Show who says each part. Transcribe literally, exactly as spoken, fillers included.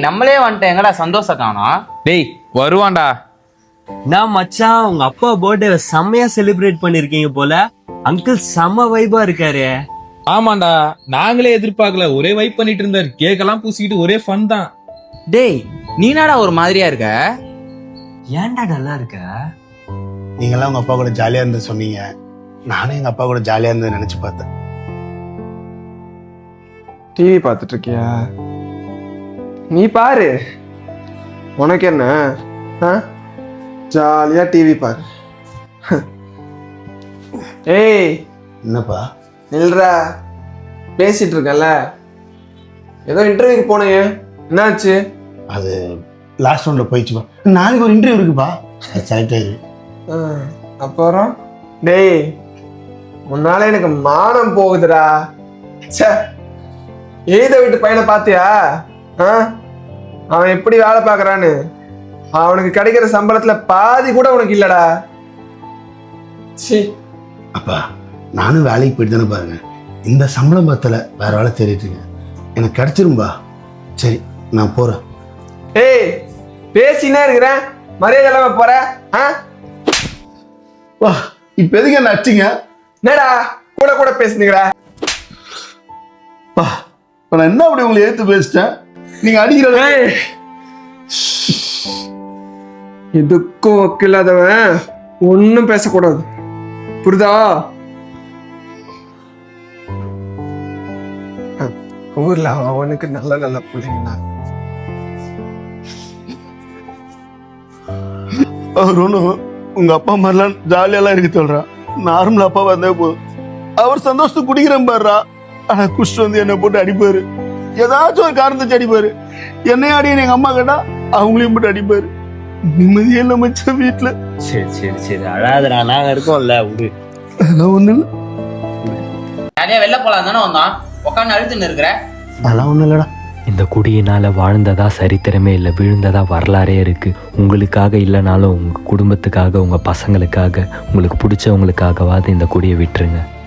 Speaker 1: நம்மளே வந்துட்டேன், எங்கடா சந்தோஷம் காணோம்?
Speaker 2: டேய் வருவான்டா.
Speaker 3: நான் மச்சான் உங்க அப்பா பர்த்டே செம்மையா செலிப்ரேட் பண்ணிருக்கீங்க போல. அங்கிள் செம்ம வைபா இருக்காரு.
Speaker 2: ஆமாண்டா, நாங்களே எதிர்பார்க்கல. ஒரே வைப் பண்ணிட்டு இருந்தாரு, கேக்கெல்லாம் பூசிக்கிட்டு ஒரே ஃபன் தான்.
Speaker 1: டேய் நீனாடா ஒரு மாதிரியா இருக்க?
Speaker 3: ஏன்டா நல்லா இருக்க?
Speaker 4: நீங்களாம் உங்க அப்பா கூட ஜாலியா இருந்து சொன்னீங்க, நானும் எங்க அப்பா கூட ஜாலியா இருந்து நினைச்சு பார்த்தேன்.
Speaker 5: டிவி பார்த்துட்டு இருக்கியா? நீ பாரு, உனக்கு என்ன? ஜாலியா டிவி பாரு. ஏய்
Speaker 4: என்னப்பா?
Speaker 5: நில்றா, பேசிட்டு இருக்கல. ஏதோ இன்டர்வியூக்கு போனேன், என்னாச்சு?
Speaker 4: அது லாஸ்ட் ரவுண்ட்ல போயிடுச்சுப்பா. நாளைக்கு ஒரு இன்டர்வியூ இருக்குப்பா, அது செலக்ட் ஆயிரு.
Speaker 5: ஆ, அப்புறம் டேய் உன்னால எனக்கு மானம் போகுதுடா. ச்சே, எழுத வீட்டு பையனை பாத்தியா? ஆ, அவன் எப்படி வேலை பார்க்கறான்னு. அவனுக்கு கிடைக்கிற சம்பளத்துல பாதி கூட உனக்கு இல்லடா. சி
Speaker 4: அப்பா நானும் வேலைக்கு போயிட்டு தானே பாருங்க, இந்த சம்பளம் பத்தல, வேற வேலை தேடிட்டு இருக்கேன். எனக்கு கிடைச்சிரும்பா. சரி நான் போறேன்.
Speaker 5: ஏய் பேசினே இருக்கிறேன், மரியாதை இல்லாம போற? ஆ,
Speaker 4: வா இப்ப எதுக்கு என்ன அடிச்சிங்க?
Speaker 5: என்னடா கூட கூட பேசுனீங்கடா?
Speaker 4: பா இப்ப நான் என்ன அப்படி உங்களை ஏத்து பேசிட்டேன்? நீங்க அடிக்கிற
Speaker 5: எதுக்கும் வக்கில்லாதவன் ஒன்னும் பேசக்கூடாது, புரியுதா? ஊர்ல அவனுக்கு நல்ல நல்ல பிள்ளைங்களா.
Speaker 4: அவர் ஒன்றும் உங்க அப்பா மாதிரிலாம் ஜாலியெல்லாம் இருக்கு சொல்றான். நார்மல் அப்பா வந்தே போதும். அவர் சந்தோஷத்துக்கு குடிக்கிறேன் பாருறா, ஆனா குஷ்டு வந்து என்னை போட்டு அடிப்பாரு. ஏதாச்சும் ஒரு காரணத்தை அடிப்பாரு. என்னையும் அடிய எங்க அம்மா கேட்டா அவங்களையும் போட்டு அடிப்பாரு. நிம்மதியே இல்லை மச்சான் வீட்டுல.
Speaker 3: சரி சரி சரி அழாதடா, நாங்க இருக்கோம்ல, விடு.
Speaker 4: அதெல்லாம் ஒண்ணு இல்லை.
Speaker 1: நிறைய வெளில போலாம் தானே வந்தான், உட்காந்து அழுத்துன்னு இருக்கிற.
Speaker 4: அதெல்லாம் ஒண்ணும் இல்லடா.
Speaker 6: இந்த குடியினால வாழ்ந்ததா சரித்திரமே இல்லை, விழுந்ததா வரலாறே இருக்கு. உங்களுக்காக இல்லைனாலும் உங்க குடும்பத்துக்காக, உங்க பசங்களுக்காக, உங்களுக்கு பிடிச்சவங்களுக்காகவாது இந்த குடியை விட்டுருங்க.